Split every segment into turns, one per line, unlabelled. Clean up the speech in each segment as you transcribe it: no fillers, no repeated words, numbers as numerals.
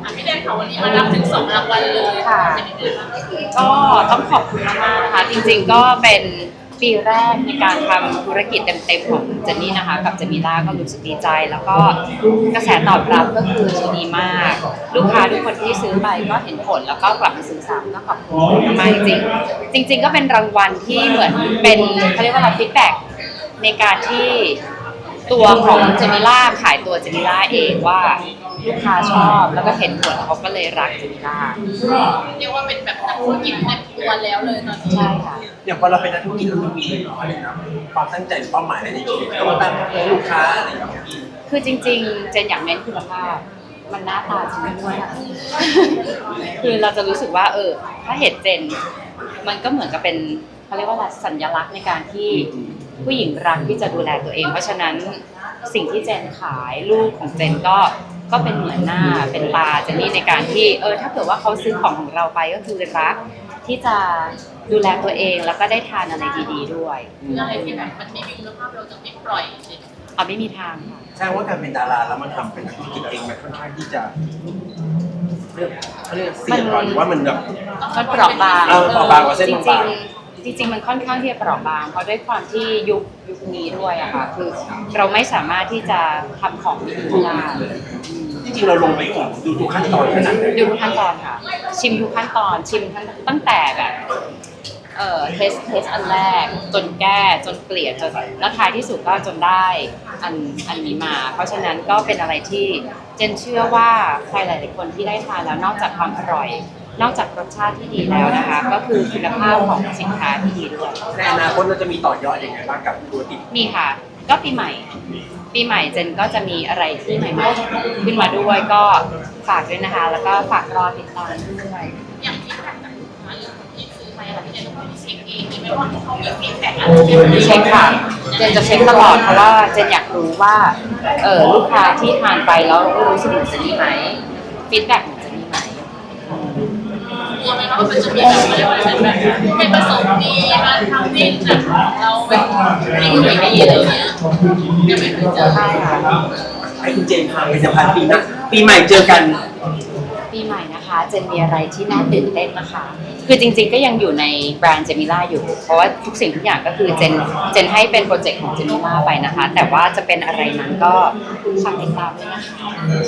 พี่แดนค่ะวันนี้มารับถึง2 รางวัลเลย
ค่ะก็ต้องขอบคุณมากๆนะคะจริงๆก็เป็นปีแรกในการทำธุรกิจเต็มๆของเจนนี่นะคะกับเจมิล่าก็รู้สึกดีใจแล้วก็กระแสตอบรับก็คือดีมากลูกค้าทุกคนที่ซื้อไปก็เห็นผลแล้วก็กลับมาซื้อซ้ำก็ขอบคุณมากๆจริงๆก็เป็นรางวัลที่เหมือนเป็นเขาเรียกว่าฟีดแบ็กในการที่ตัวของเจมิล่าขายตัวเจมิล่าเองว่าลูกค้าชอบแล้วก็เห็นผลเขาก็เลยรักเจมิล่า
เรียกว่าเป็นแบบนักธุรกิจเต็มตัวแล้วเลยตอนนี้
ใช่ค่ะ
อย่างพอเราเป็นนักธุรกิจเราต้องมีอะไรนะความตั้งใจเป้าหมายอะไรในชีวิตก็มาตั้งเพื่อลูกค้าอะไรอย่างเงี้ย
คือจริงๆเจนอยากเน้นคุณภาพมันหน้าตาจริงด้วยค่ะคือเราจะรู้สึกว่าถ้าเห็นเจนมันก็เหมือนกับเป็นเขาเรียกว่าสัญลักษณ์ในการที่ผู้หญิงรักที่จะดูแลตัวเองเพราะฉะนั้นสิ่งที่เจนขายลูกของเจนก็เป็นเหมือนหน้าเป็นตาเจนนี่ในการที่ถ้าเกิดว่าเขาซื้อของเราไปก็คือรักที่จะดูแลตัวเองแล้วก็ได้ทานอะไรดีๆด้วย
อะไรที่แบบมันไม่มีคุณภาพเราจะไม่ปล่อย
ไม่มีทางค่ะ
แสดงว่าการเป็นดาราแล้วมันทำเป็นธุรกิจเองมันค่อนข้างที่จะเรียกเสี่ยงก่อนหรือว่ามันแบบ
มันเปราะบาง
เปราะบางกว่าเส้นบาง
จริงมันค่อนข้างที่จะเปราะบางเพราะด้วยความที่ยุคนี้ด้วยอะค่ะคือเราไม่สามารถที่จะทำของไม่ดีได้
จริงๆเราลงไปดูทุกขั้นตอนขนาดไหน
ดูทุกขั้นตอนค่ะชิมทุกขั้นตอนชิมตั้งแต่แบบเทสอันแรกจนแก้จนเกลี่ยจนแล้วท้ายที่สุดก็จนได้อันนี้มาเพราะฉะนั้นก็เป็นอะไรที่เจนเชื่อว่าใครหลายๆคนที่ได้ทานแล้วนอกจากความอร่อยนอกจากรสชาติที่ดีแล้วนะคะก็คือคุณภาพของสินค้าที่ดีด้วย
ในอนาคตเราจะมีต่อยอดอย่างไรบ้างกับธุรกิจ
มีค่ะก็ปีใหม่เจนก็จะมีอะไรที่ใหม่ๆขึ้นมาด้วยก็ฝากด้วยนะคะแล้วก็ฝากรอติดตามด้วย
อย่างที่ผ่านจากลูกค้าหรือคนที่ซื้อไปอะไรที่เจนต้องเช็คเองมีไหมว่าเขามีฟีดแบ็กอะไร
เช็คค่ะเจนจะเช็คตลอดเพราะว่าเจนอยากรู้ว่าลูกค้าที่ทานไปแล้วรู้สึกจะดีไหมฟีดแบ็กจะดีไหม
กลัวไหมว่ามันจะมีแบบอะไรแบบไม่ประสงค์ดีมาทำให้แบบเราแบบไม่ดีอะไรเงี้ยยังไม่เคยเจอ
ให้คุณเจนพาไปสัมภาษณ์ปีหน้าปีใหม่เจอกัน
ปีใหม่นะคะเจนมีอะไรที่น่าตื่นเต้นนะคะคือจริงๆก็ยังอยู่ในแบรนด์เจมิล่าอยู่เพราะว่าทุกสิ่งทุกอย่างก็คือเจนให้เป็นโปรเจกต์ของเจมิล่าไปนะคะแต่ว่าจะเป็นอะไรนั้นก็ฝากติดตามด้วยนะคะ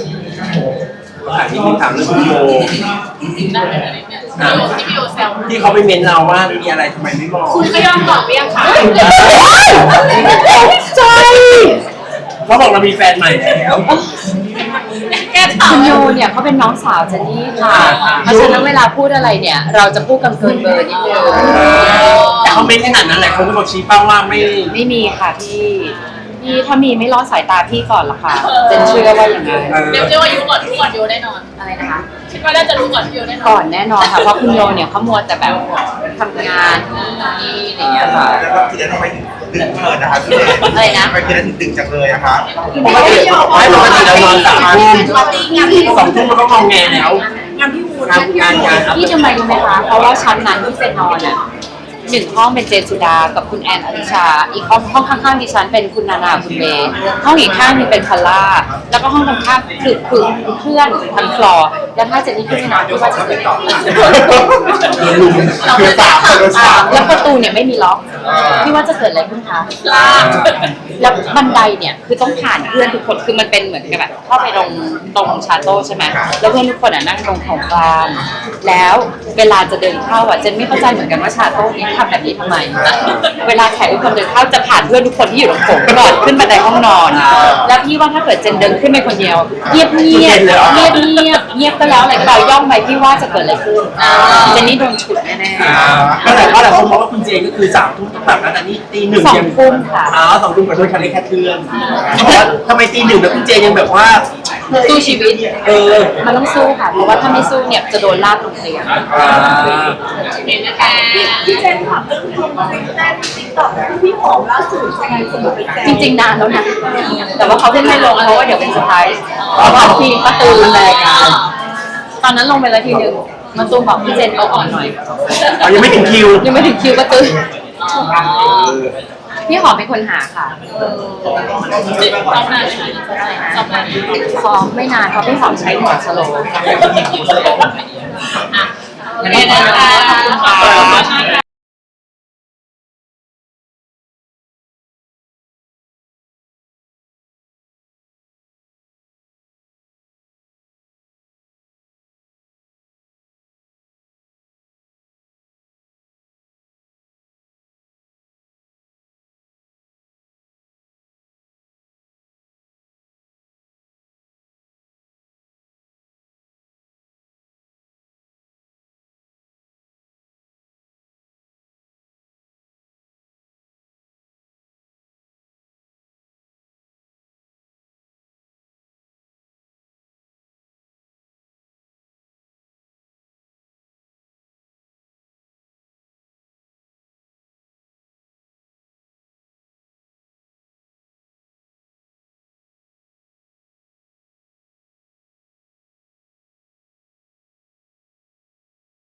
ที่ถามเรื่องคุณโย
ได้ไหมเนี่ยที่พี่โยแซว
ที่เขาไปเม้นเราว่ามีอะไรทำไมไม่บอก
คุณก็ยอมตอบไปยังคะ
ใช่
เขาบอกเรามีแฟนใหม่แล้ว
คุณโยเนี่ยเขาเป็นน้องสาวเจนนี่ค่ะเพราะฉะนั้นเวลาพูดอะไรเนี่ยเราจะพูดกันเกินเบอร์นิดนึง
แต่เขาเม้นขนาดนั้นแหละเขาบอกชี้เป้าว่า
ไม่มีค่ะพี่ถ้ามีไม่รอดสายตาพี่ก่อนละค่ะเจนเชื่อว่าอย่างนั้น
เรียกว่ายุก่อนโยแน่นอน
อะไรนะคะ
คิดว่าน่าจะรู้ก่อนโยแน่นอน
ก่อนแน่นอนค่ะเพราะคุณโยเนี่ยเขามัวแต่แบบทำงานนี่อย่างเงี้ยค่ะ
แล้วก็ทีนั้นทำไมถึงดึกเกินนะคะพี่
อะไรนะ
ทำไมทีนั้นถึงดึกจังเลยอะคะ
ปกติเรานอน3 ทุ่ม2 ทุ่มมันก็งอแงแล้ว
งานพี่วูนพี่ทำไมรู้ไหมคะเพราะว่าชั้นนั้นที่เจนนอนอ่ะ1 ห้องเป็นเจนสุดากับคุณแอนอลิชาอีกห้องข้างๆดิฉันเป็นคุณนานาคุณเมย์ห้องอีกข้างนึงเป็นพอลล่าแล้วก็ห้องตรงข้ามคือเพื่อนทั้งฟลอร์แล้วถ้าเจนนี่ขึ้นไม่นอนพี่ว่าจะเกิดต่อแล้วประตูเนี่ยไม่มีล็อกพี่ว่าจะเกิดอะไรขึ้นคะแล้วบันไดเนี่ยคือต้องผ่านเพื่อนทุกคนคือมันเป็นเหมือนกับแบบเข้าไปตรงชาโต้ใช่ไหมแล้วเพื่อนทุกคนนั่งตรงของกลางแล้วเวลาจะเดินเข้าเจนไม่เข้าใจเหมือนกันว่าชาโต้นี้ทำแบบนี้ทำไมเวลาแขกทุกคนเดินเข้าจะผ่านเพื่อนทุกคนที่อยู่ตรงโถงก่อนขึ้นบันไดห้องนอนแล้วพี่ว่าถ้าเกิดเจนเดินขึ้นไปคนเดียวเงียบก็แล้วอะไรก็แล้วย่องไปพี่ว่าจะเกิดอะไรขึ้นเจนนี่โดนฉุดแน่
ๆก็แต่ว่าเรามองว่าคุณเจนก็คือ3 ทุ่มต้องแบบนั้นอันนี้ตี 1
2 ทุ่มค่ะ
2 ทุ่มกับโดยคันเล็กแค่เทือนทำไมตี 1แล้วคุณเจนยังแบบว่า
สู้ชีวิตมันต้องสู้ค่ะเพราะว่าถ้าไม่สู้เนี่ยจะโดนลากลงเตียง
เห็นนะคะ
พี่เจนถามเรื่องทำติ๊กต็อกพี่หอมล่าสุดยังไงสมุดไปแจ
จริงๆนานแล้วนะแต่ว่าเขาเพิ่งให้ลงเพราะว่าเดี๋ยวเป็นเซอร์ไพรส์เพราะว่าทีป้าตูนรายการตอนนั้นลงไปแล้วทีนึงมาตูนบอกพี่เจนเขาอ่อนหน่อย
ยังไม่ถึงคิว
ป้าตูนพี่หอมเป็นคนหาค่ะ
ซ้อมนานไหมซ้อมนานไหม
ซ้อมไม่นานเพราะพี่หอมใช้หัวสโลว์
อ่ะโอเคนะคะขอบคุณค่ะ